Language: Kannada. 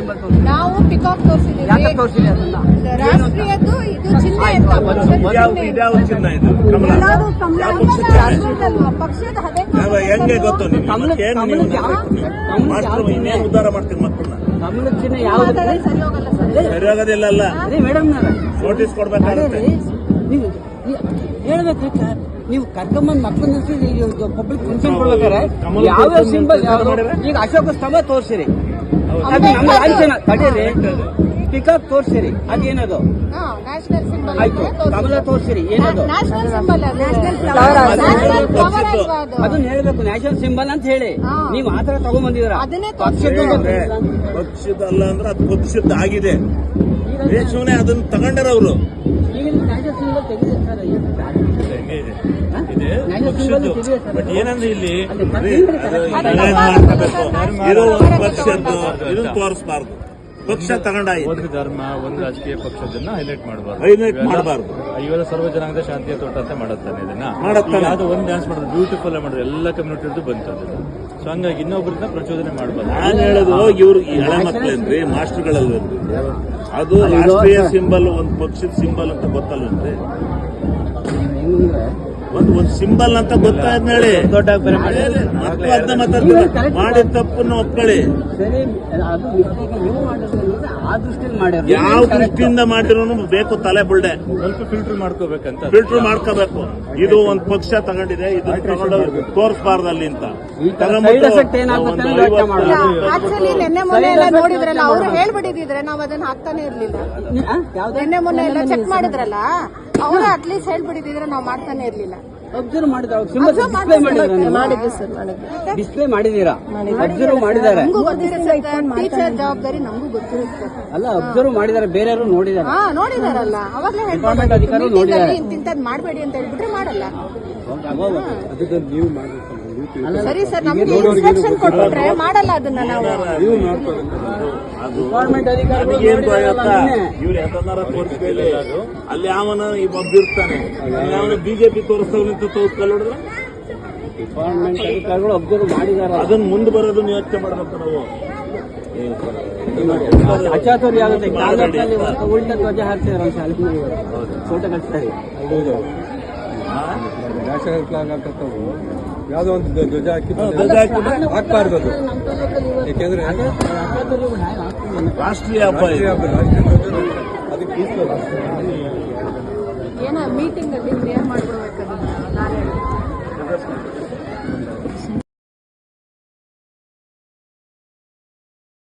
ಸಿಂಬಲ್ ತೋರಿಸಿ. ನಾವು ಪಿಕಾಕ್ ತೋರಿಸಿದ್ದೀವಿ. ಯಾಕೆ ತೋರಿಸಿದೆ ಅದನ್ನ? ರಾಷ್ಟ್ರೀಯದ್ದು ಇದು ಚಿಹ್ನೆ ಅಂತ ಇದ್ಯಾವ ಚಿನ್ನ ಇದು? ಕಮಲ ಪಕ್ಷದ ಹೆಂಗೆ ಗೊತ್ತು ಇನ್ನೇನು ಉದ್ಧಾರ ಮಾಡ್ತೀನಿ ಮಕ್ಕಳನ್ನ? ಕಮಲದ ಚಿಹ್ನೆ ಯಾವ್ದು ಸರಿ ಹೋಗಲ್ಲ ಸರ್. ಸರಿಯಾಗೋದಿಲ್ಲ ಅಲ್ಲ. ಅದೇ ಮೇಡಮ್ ನೋಟಿಸ್ ಕೊಡ್ಬೇಕಾಗುತ್ತೆ. ನೀವು ಹೇಳ್ಬೇಕು ಸರ್. ನೀವು ಕರ್ಕೊಂಬಂದ್ ಮಕ್ಕಳು ಪಬ್ಲಿಕ್ ಫಂಕ್ಷನ್ ಕೊಡ್ಬೇಕಾರೆ ಯಾವ್ಯಾವ ಸಿಂಬಲ್ ಈಗ ಅಶೋಕ ಸ್ತಂಭ ತೋರಿಸಿರಿ, ನಮ್ಮ ಲಾಂಛನ ತಡೀರಿ, ಪಿಕಾಕ್ ತೋರಿಸಿರಿ, ಅದೇನದು? ನ್ಯಾಷನಲ್ ಸಿಂಬಲ್ ಆಯ್ತು. ಕಮಲ ತೋರಿಸಿರಿ, ಏನದು? ನ್ಯಾಷನಲ್ ಸಿಂಬಲ್ ಅದನ್ನ ಹೇಳ್ಬೇಕು, ನ್ಯಾಷನಲ್ ಸಿಂಬಲ್ ಅಂತ ಹೇಳಿ. ನೀವು ಆತರ ತಗೊಂಡ್ಬಂದಿದ್ದೀರ. ಪಕ್ಷದಲ್ಲ ಅಂದ್ರೆ ಅದು ಪಕ್ಷದ ಆಗಿದೆ. ದೇಶವನ್ನೇ ಅದನ್ನ ತಗೊಂಡಾರ ಅವರು. ಬಟ್ ಏನಂದ್ರೆ ಇಲ್ಲಿ ಇರೋ ಒಂದು ಪಕ್ಷದ್ದು ಇದನ್ನ ತೋರಿಸಬಾರ್ದು. ಪಕ್ಷ ತಗೊಂಡಾಯ್ತು. ಒಂದು ಧರ್ಮ, ಒಂದು ರಾಜಕೀಯ ಪಕ್ಷದನ್ನ ಹೈಲೈಟ್ ಮಾಡಬಾರ್ದು. ಇವೆಲ್ಲ ಸರ್ವ ಜನಾಂಗದ ಶಾಂತಿಯ ತೋಟ ಅಂತ ಮಾಡುತ್ತಾನೆ ಇದನ್ನ. ಅದು ಒಂದು ಡ್ಯಾನ್ಸ್ ಮಾಡೋದು ಬ್ಯೂಟಿಫುಲ್ ಮಾಡಿದ್ರು, ಎಲ್ಲ ಕಮ್ಯುನಿಟಿ ಬಂತು ಅದನ್ನ. ಸೊ ಹಂಗಾಗಿ ಇನ್ನೊಬ್ಬರನ್ನ ಪ್ರಚೋದನೆ ಮಾಡಬಾರ್ದು. ನಾನು ಹೇಳೋದು ಇವ್ರು ಎಳೆ ಮಕ್ಕಳೇನ್ರಿ, ಮಾಸ್ಟರ್ಗಳಲ್ವೇನ್ರಿ? ಅದು ರಾಷ್ಟ್ರೀಯ ಸಿಂಬಲ್, ಒಂದು ಪಕ್ಷದ ಸಿಂಬಲ್ ಅಂತ ಗೊತ್ತಲ್ವೇನ್ರಿ? ಒಂದು ಸಿಂಬಲ್ ಅಂತ ಗೊತ್ತಾಯ್ತು ಹೇಳಿ. ದೊಡ್ಡ ಮಾಡಿದ ತಪ್ಪನ್ನು ಒಪ್ಕೊಳ್ಳಿ. ಯಾವ ದೃಷ್ಟಿಯಿಂದ ಮಾಡಿರೋನು ಬೇಕು ತಲೆ ಬುಲ್ಡೆ. ಸ್ವಲ್ಪ ಫಿಲ್ಟರ್ ಮಾಡ್ಕೋಬೇಕಂತ. ಫಿಲ್ಟರ್ ಮಾಡ್ಕೋಬೇಕು. ಇದು ಒಂದು ಪಕ್ಷ ತಗೊಂಡಿದೆ, ಇದು ತಗೊಂಡು ತೋರಿಸಬಾರ್ದು ಅಲ್ಲಿ ಅಂತ ಆಕ್ಚುಲಿ ನಿನ್ನೆ ಮೊನ್ನೆ ಎಲ್ಲ ನೋಡಿದ್ರಲ್ಲ, ಅವ್ರು ಹೇಳ್ಬಿಟ್ಟಿದ್ರೆ ನಾವು ಅದನ್ನ ಹಾಕ್ತಾನೆ ಇರ್ಲಿಲ್ಲ. ನಿನ್ನೆ ಮೊನ್ನೆ ಎಲ್ಲ ಚೆಕ್ ಮಾಡಿದ್ರಲ್ಲ, ಅವರು ಅಟ್ಲೀಸ್ಟ್ ಹೇಳ್ಬಿಟ್ಟಿದ್ರೆ ನಾವು ಮಾಡ್ತಾನೆ ಇರ್ಲಿಲ್ಲ. ಅಬ್ಸರ್ವ್ ಮಾಡಿದ್ರೆ ಡಿಸ್ಪ್ಲೇ ಮಾಡಿದೀರಾ? ಅಬ್ಸರ್ವ್ ಮಾಡಿದ್ದಾರೆ. ಟೀಚರ್ ಜವಾಬ್ದಾರಿ ನಮಗೂ ಗೊತ್ತಿರುತ್ತೆ. ಅಲ್ಲ, ಅಬ್ಸರ್ವ್ ಮಾಡಿದ್ದಾರೆ, ಬೇರೆಯವರು ನೋಡಿದ್ದಾರೆ. ನೋಡಿದಾರಲ್ಲ, ಅವಾಗಲೇ ಡಿಪಾರ್ಟ್ಮೆಂಟ್ ಅಧಿಕಾರಿ ನೋಡಿದ್ದಾರೆ. ಇಂತಿಂತದ್ ಮಾಡ್ಬೇಡಿ ಅಂತ ಹೇಳ್ಬಿಟ್ರೆ ಮಾಡಲ್ಲ. ಸರಿ ಸರ್, ನಮ್ಗೆ ಇನ್ಸ್ಟ್ರಕ್ಷನ್ ಕೊಟ್ಬಿಟ್ರೆ ಮಾಡಲ್ಲ ಅದನ್ನ ನಾವು. ಡಿಪಾರ್ಟ್ಮೆಂಟ್ ಅಧಿಕಾರಿ ಇವ್ರು ಯಾವ್ದಾರ ತೋರಿಸ್ಬೇಡಿ. ಅಲ್ಲಿ ಅವನ ಒಬ್ಬಿರ್ತಾನೆ, ಅವನು ಬಿಜೆಪಿ ತೋರಿಸ್ತವ್ರು ಅಂತ ತೋರಿಸ್ಕೊಳ್ಳೋದ್ರೆ ಡಿಪಾರ್ಟ್ಮೆಂಟ್ ಅಧಿಕಾರಿಗಳು ಅಬ್ಸರ್ವ್ ಮಾಡಿದಾರ. ಅದನ್ನ ಮುಂದೆ ಬರೋದನ್ನ ಯೋಚನೆ ಮಾಡ್ಬೇಕು ನಾವು. ಅಚಾತುರ್ಯ ಆಗುತ್ತೆ. ಕಾಂಗ್ರೆಸ್ನಲ್ಲಿ ಉಲ್ಟ ಧ್ವಜ ಹಾರಿಸಿದಾರೆ, ಶಾಲೆ ಫೋಟೋ ಕಳಿಸ್ತಾರೆ. ನ್ಯಾಷನಲ್ ಫ್ಲಾಗ್ ಹಾಕತ್ತವು ಯಾವುದೋ ಒಂದು ಧ್ವಜ ಹಾಕ್ಬಾರ್ದು ಅದು. ಯಾಕೆಂದ್ರೆ ರಾಷ್ಟ್ರೀಯ ಹಬ್ಬ, ಅದಕ್ಕೆ ಏನೋ ಮೀಟಿಂಗ್ ಅಲ್ಲಿ ಕ್ಲಿಯರ್ ಮಾಡ್ಕೊಡ್ಬೇಕು.